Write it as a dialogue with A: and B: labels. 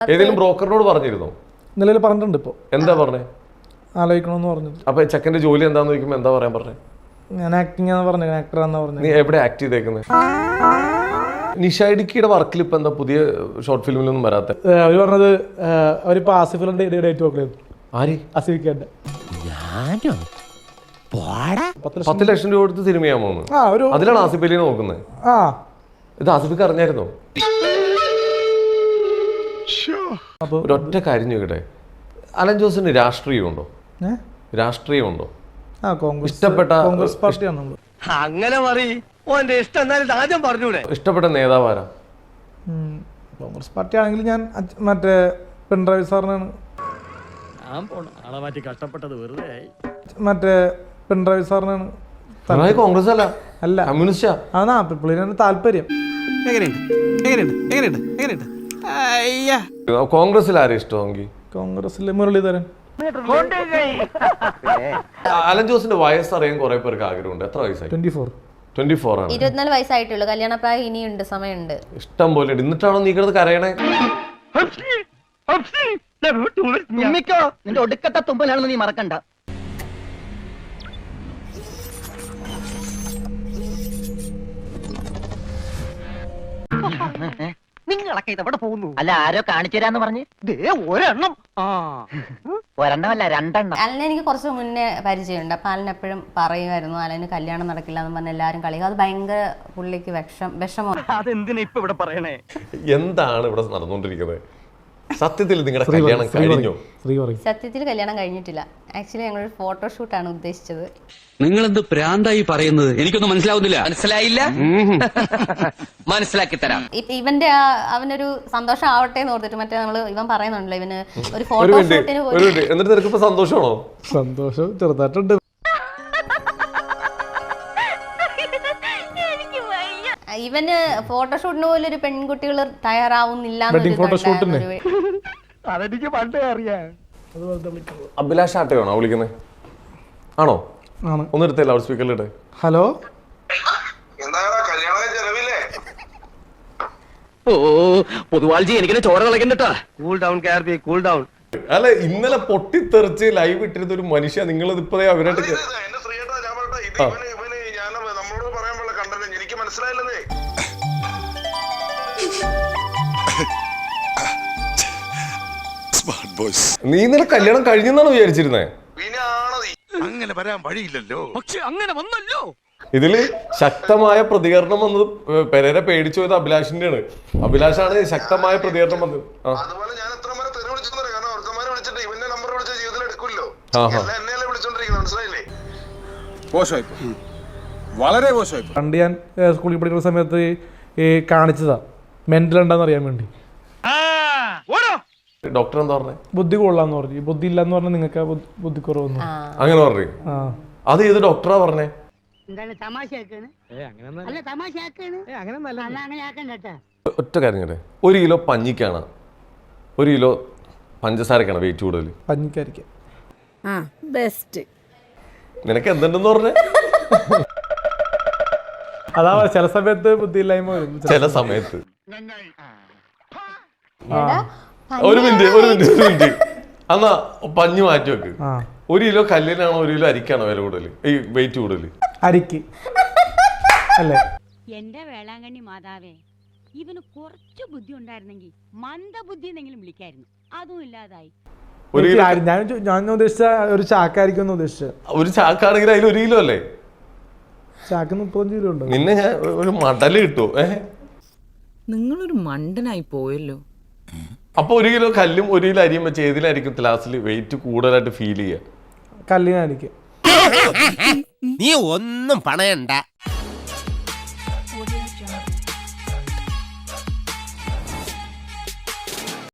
A: ഏതെങ്കിലും ബ്രോക്കറിനോട് പറഞ്ഞിരുന്നോ?
B: നിലവിൽ പറഞ്ഞിട്ടുണ്ട്. ഇപ്പോൾ
A: എന്താ പറഞ്ഞേ?
B: ആലോചിക്കണമെന്ന് പറഞ്ഞത്.
A: അപ്പൊ ചെക്കന്റെ ജോലി എന്താന്ന് ചോദിക്കുമ്പോ എന്താ പറയാൻ പറഞ്ഞേ?
B: ഞാൻ ആക്ടിങ് ആണെന്ന് പറഞ്ഞു, ആക്ടറാന്ന് പറഞ്ഞു.
A: നീ എവിടെ ആക്ട് ചെയ്തേക്കുന്നത്? നിഷായിഡിക്കിയുടെ വർക്കിൽ ഇപ്പൊ എന്താ പുതിയ ഷോർട്ട് ഫിലിമിലൊന്നും വരാത്ത?
B: അവര് പറഞ്ഞത് അവരിപ്പോ ആസിഫിന്റെ ഡേറ്റ് നോക്കണത്.
A: ആര്?
B: ആസിഫിക്കാന്റെ
A: 10 ലക്ഷം രൂപ കൊടുത്ത് സിനിമയാമോ? അതിലാണ് ആസിഫ് അലിനെ നോക്കുന്നത്. ഇത് ആസിഫിക്ക് അറിഞ്ഞായിരുന്നോ? ഒരൊറ്റ കാര്യം ചോദിക്കട്ടെ, അലൻ ജോസിന് രാഷ്ട്രീയമുണ്ടോ? രാഷ്ട്രീയമുണ്ടോ? ഇഷ്ടപ്പെട്ട
B: കോൺഗ്രസ് പാർട്ടിയാണ്.
C: അങ്ങനെ
A: ഇഷ്ടപ്പെട്ട നേതാവ് ആരാ?
B: കോൺഗ്രസ് പാർട്ടി ആണെങ്കിൽ ഞാൻ മറ്റേ പിണറായി സാറിനാണ്. മറ്റേ പിണറായി സാറിനാണ്.
A: കോൺഗ്രസ് അല്ല,
B: അല്ല
A: കമ്മ്യൂണിസ്റ്റാ.
B: അതാ പുള്ളിനാണ് താല്പര്യം.
A: കോൺഗ്രസിൽ ആരെയും ഇഷ്ടമെങ്കിൽ?
B: കോൺഗ്രസിൽ മുരളീധരൻ.
A: അലൻ ജോസിന്റെ വയസ്സ് അറിയാൻ കുറെ പേർക്ക് ആഗ്രഹമുണ്ട്. എത്ര വയസ്സായി? 24 ആണ്.
D: 24 വയസ്സായിട്ടുള്ളൂ. കല്യാണപ്രായം ഇനിയുണ്ട്, സമയമുണ്ട്,
A: ഇഷ്ടം പോലെ. എന്നിട്ടാണോ നീ കിടന്ന് കരയണേ?
C: നിന്റെ ഒടുക്കത്തെ തുമ്പലാണെന്ന് നീ മറക്കണ്ട. നിങ്ങളൊക്കെ ഇതെവിടെ പോകുന്നു? അല്ല, ആരോ കാണിച്ചു തരാന്ന് പറഞ്ഞ് ഒരെണ്ണം. ഒരെണ്ണമല്ല, 2 എണ്ണം.
D: അലനെ എനിക്ക് കുറച്ച് മുന്നേ പരിചയമുണ്ട്. അപ്പൊ അലൻ എപ്പോഴും പറയുമായിരുന്നു അലന് കല്യാണം നടക്കില്ല എന്ന് പറഞ്ഞ എല്ലാരും കളിക്കും. അത് ഭയങ്കര പുള്ളിക്ക് വിഷമം.
C: അതെന്തിനാ ഇപ്പൊ ഇവിടെ പറയണേ?
A: എന്താണ് ഇവിടെ നടന്നുകൊണ്ടിരിക്കുന്നത്? സത്യത്തിൽ നിങ്ങളുടെ കല്യാണം കഴിഞ്ഞോ?
D: സത്യത്തിൽ കല്യാണം കഴിഞ്ഞിട്ടില്ല. ആക്ച്വലി ഞങ്ങളൊരു ഫോട്ടോഷൂട്ടാണ് ഉദ്ദേശിച്ചത്.
E: നിങ്ങൾ എന്ത് പ്രാന്തായി പറയുന്നത്? എനിക്കൊന്നും മനസ്സിലാവുന്നില്ല. മനസ്സിലായില്ല? മനസ്സിലാക്കി തരാം.
D: ഇവന്റെ അവനൊരു സന്തോഷം ആവട്ടെ എന്ന് ഓർത്തിട്ട് മറ്റേ ഇവൻ പറയുന്നുണ്ടല്ലോ, ഇവന് ഒരു ഫോട്ടോഷൂട്ടിന്
A: എന്നിട്ട് സന്തോഷമാണോ?
B: സന്തോഷം ചെറുതായിട്ടുണ്ട്.
D: ഇവന് ഫോട്ടോഷൂട്ടിന് പോലും ഒരു പെൺകുട്ടികൾ തയ്യാറാവുന്നില്ല.
A: അഭിലാഷ് ആട്ടയാണോ വിളിക്കുന്നത്? ആണോ? ഒന്നെടുത്തേ ലൗഡ് സ്പീക്കറിലിട്ടെ.
B: ഹലോ.
C: ഓ പൊതുവാൾജി, എനിക്കിനെ ചോര കളക്കണ്ടട്ടാ. കൂൾ ഡൗൺ കാർബി, കൂൾ ഡൗൺ.
A: അല്ല, ഇന്നലെ പൊട്ടിത്തെറിച്ച് ലൈവ് ഇട്ടിരുന്ന ഒരു മനുഷ്യ നിങ്ങൾ ഇപ്പഴേ അവരായിട്ട് നീ ഇന്നലെ കല്യാണം കഴിഞ്ഞെന്നാണ് വിചാരിച്ചിരുന്നേ?
F: അങ്ങനെ വരാൻ വഴിയില്ലല്ലോ.
C: പക്ഷെ അങ്ങനെ വന്നല്ലോ.
A: ഇതില് ശക്തമായ പ്രതികരണം വന്നത് പെരേരെ പേടിച്ചു പോയത് അഭിലാഷിന്റെ ആണ്. അഭിലാഷാണ് ശക്തമായ പ്രതികരണം വന്നത്.
B: പണ്ട് ഞാൻ സ്കൂളിൽ പഠിക്കുന്ന സമയത്ത് കാണിച്ചതാ മെന്റൽ ഉണ്ടെന്ന് അറിയാൻ വേണ്ടി.
A: ഡോക്ടർ എന്താ പറഞ്ഞേ?
B: ബുദ്ധി കൊള്ളാന്ന് പറഞ്ഞു. ബുദ്ധി ഇല്ലാന്ന് പറഞ്ഞാൽ നിങ്ങൾക്ക് ബുദ്ധിക്കുറവൊന്നും
A: അങ്ങനെ പറഞ്ഞു. അത് ഏത് ഡോക്ടറാ പറഞ്ഞേ? ഒറ്റ കാര്യം കേട്ടെ, 1 കിലോ പഞ്ഞിക്കാണ് 1 കിലോ പഞ്ചസാരക്കാണ് വെയിറ്റ് കൂടുതൽ?
B: പഞ്ഞിക്കായിരിക്കും.
A: നിനക്ക് എന്തുണ്ടെന്ന് പറഞ്ഞേ?
B: അതാ ചില സമയത്ത് ബുദ്ധിയില്ലായ്മ വരും. ചില സമയത്ത്.
A: ഒരു മിനിറ്റ് എന്നാ പഞ്ഞു മാറ്റി വെക്ക്. 1 കിലോ കല്ലിനാണോ 1 കിലോ അരിക്കാണോ വില കൂടുതൽ, ഈ വെയിറ്റ് കൂടുതൽ?
B: അരിക്ക് അല്ലേ?
G: എന്റെ വേളാങ്കണ്ണി മാതാവേ, ഇവന് കുറച്ച് ബുദ്ധി ഉണ്ടായിരുന്നെങ്കിൽ മന്ദബുദ്ധി എന്നെങ്കിലും വിളിക്കായിരുന്നു. അതും ഇല്ലാതായി.
B: ഞാൻ ഉദ്ദേശിച്ച ഒരു ചാക്കായിരിക്കും ഉദ്ദേശിച്ച.
A: ഒരു ചാക്കാണെങ്കിൽ അതിൽ 1 കിലോ അല്ലേ?
B: ചാക്ക് 35 കിലോ ഉണ്ട്.
A: നിന്നെ ഞാൻ ഒരു മടല് കിട്ടുമോ?
H: നിങ്ങളൊരു മണ്ടനായി പോയല്ലോ.
A: അപ്പൊ 1 കിലോ കല്ലും 1 കിലോ അരിയും വെച്ച് ഏതിലായിരിക്കും ക്ലാസ്സിൽ വെയിറ്റ് കൂടുതലായിട്ട് ഫീൽ ചെയ്യുക?
B: കല്ലിനായിരിക്കും.
F: നീ ഒന്നും പണയണ്ട.